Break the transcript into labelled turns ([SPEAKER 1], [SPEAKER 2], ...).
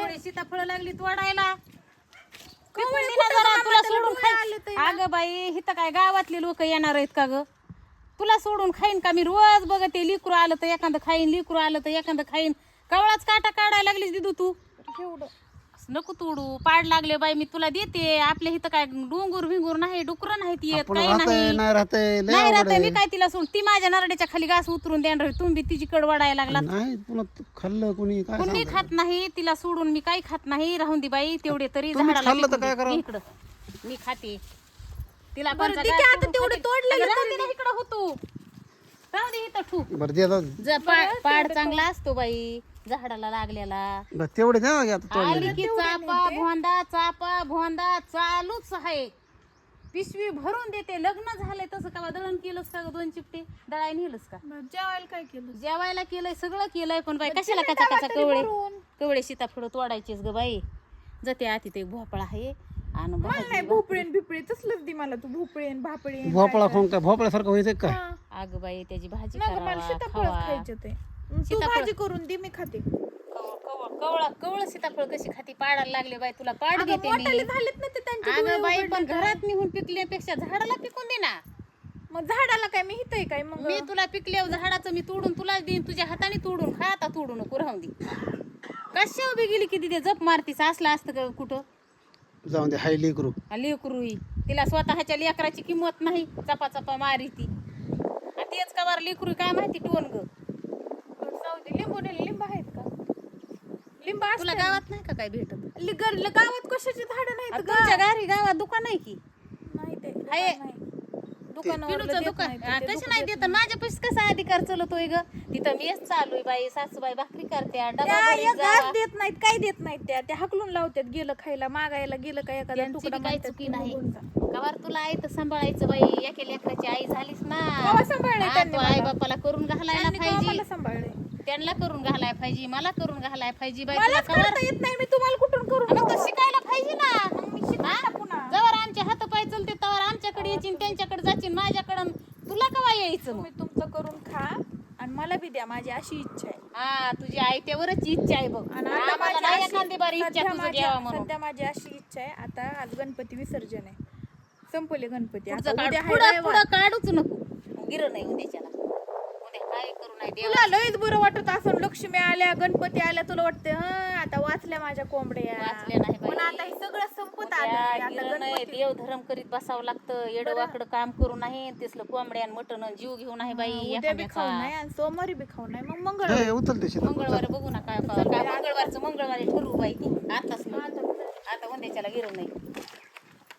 [SPEAKER 1] सीताफळ लागली तोडायला तुला सोडून खाय. अगं बाई इथं काय गावातले लोक येणार आहेत का ग? तुला सोडून खाईन का मी? रोज बघते लिकरू आलं तर एखादं खाईन, लिकरू आलं तर एखादं खाईन. कवळाच काटा काढायला लागलीस दिदू तू. नको तोडू, पाड लागले बाई मी तुला देते. आपल्या इथं काय डोंगर भिंगूर नाही, डुकर नाहीत येत, काही नाही राहते. मी काय तिला सोड, ती माझ्या नरड्याच्या खाली घास उतरून देणार, तुम्ही तिची कड वाढायला लागला.
[SPEAKER 2] खाल्लं कोणी
[SPEAKER 1] खात नाही तिला सोडून, मी काही खात नाही. राहून दे बाई तेवढे तरी झाडाला इकडं मी खाते तिला. तेवढे तोडले इकडं होतो. राहू दे इथं ठू. पाड चांगला असतो बाई झाडाला लागलेला.
[SPEAKER 2] तेवढे
[SPEAKER 1] आली की चापा भोंदा चालूच आहे. पिशवी भरून देते. लग्न झालंय तसं का दळण केलंस का? 2 चिपटे दळाय नेलंस का?
[SPEAKER 3] जेवायला काय केलं?
[SPEAKER 1] जेवायला केलंय, सगळं केलंय. पण बाई कशाला कचा कवळे सीताफळ तोडायचेच ग बाई. जाते आती ते भोपळा आहे आणि
[SPEAKER 3] भोपळेन बिपळे तसलंच दे मला. तू भोपळेन भापळे
[SPEAKER 2] भोपळा खाऊन काय भोपळ्यासारखं व्हायचं का?
[SPEAKER 1] अगं बाई त्याची भाजी
[SPEAKER 3] सीताफळच खायचे ते. तू भाजी करून दे, मी खाते.
[SPEAKER 1] कवळ सीताफळ कशी खाती? पाडायला लागले बाई तुला. पाड घेते
[SPEAKER 3] झालेत ना ते त्यांचे.
[SPEAKER 1] अगं बाई पण घरात निघून पिकल्यापेक्षा झाडाला पिकून दे ना.
[SPEAKER 3] मग झाडाला काय मी हितय काय? मग
[SPEAKER 1] मी तुला पिकल्यावर झाडाचं मी तोडून तुला देईन. तुझ्या हाताने तोडून खा. आता तोडू नको, राहून दे. कशा उभी गेली की तिथे जप मारतीस? असलं असतं का कुठं?
[SPEAKER 2] जाऊन दे, हाय लेकरू.
[SPEAKER 1] लेकरू तिला स्वतःच्या लेकराची किंमत नाही. चपा चपा मारी ती. तेच का बरं लेकरू काय माहिती टोन ग.
[SPEAKER 3] लिंब आहेत का? लिंब
[SPEAKER 1] तुला गावात नाही का काय भेटत?
[SPEAKER 3] गावात कशाची झाडं नाहीत?
[SPEAKER 1] तुमच्या घरी गावात दुकान आहे की
[SPEAKER 3] नाही? ते
[SPEAKER 1] दुकान कसं नाही देत? माझ्या पैसे कसा अधिकार चलतोय ग? तिथं मीच चालू आहे बाई. सासूबाई भाकरी करते,
[SPEAKER 3] देत नाहीत. काय देत नाहीत? त्या हकलून लावतात. गेलं खायला मागायला गेलं काय एखादा तुकडा
[SPEAKER 1] काही चुकी नाही. कवर तुला आई तर सांभाळायचं बाई. एका लेकराची आई झालीस ना. आई बापाला करून घालायला पाहिजे. त्यांना करून घालाय पाहिजे, मला करून घालाय पाहिजे बाई.
[SPEAKER 3] येत नाही मी तुम्हाला कुठून करून?
[SPEAKER 1] मग तर शिकायला पाहिजे ना. जवळ आमचे हात पाय चलते तवर आमच्याकडे यायची, त्यांच्याकडे जायची. माझ्याकडं तुला कवा यायचं?
[SPEAKER 3] तुम्ही तुमचं करून खा आणि मला बी द्या. माझी अशी इच्छा आहे.
[SPEAKER 1] हा तुझी आई त्यावरच इच्छा आहे बघ. आणि एखादी बारी इच्छा तुझं घ्यावा म्हणून.
[SPEAKER 3] सध्या माझी अशी इच्छा आहे. आता आज गणपती विसर्जन आहे. संपले गणपती.
[SPEAKER 1] पुढं काढूच नको. गिर नाही उद्याच्याला. काय करू नाही
[SPEAKER 3] तुला लयच बरं वाटत असं. लक्ष्मी आल्या, गणपती आल्या, तुला वाटतं आता वाचल्या माझ्या कोंबड्या.
[SPEAKER 1] वाचल्या नाही
[SPEAKER 3] पण आता हे सगळं संपत आलं.
[SPEAKER 1] देव धर्म करीत बसावं लागतं. येडं वाकडं काम करू नाही. तेसलं कोंबड्या मटण जीव घेऊ नाही बाई.
[SPEAKER 3] सोमवारी बी खाऊ नाही. मग मंगळवारी
[SPEAKER 1] बघू ना काय मंगळवारचं मंगळवारी ठरवू बाई. ती आताच आता उद्याच्याला गिरव नाही.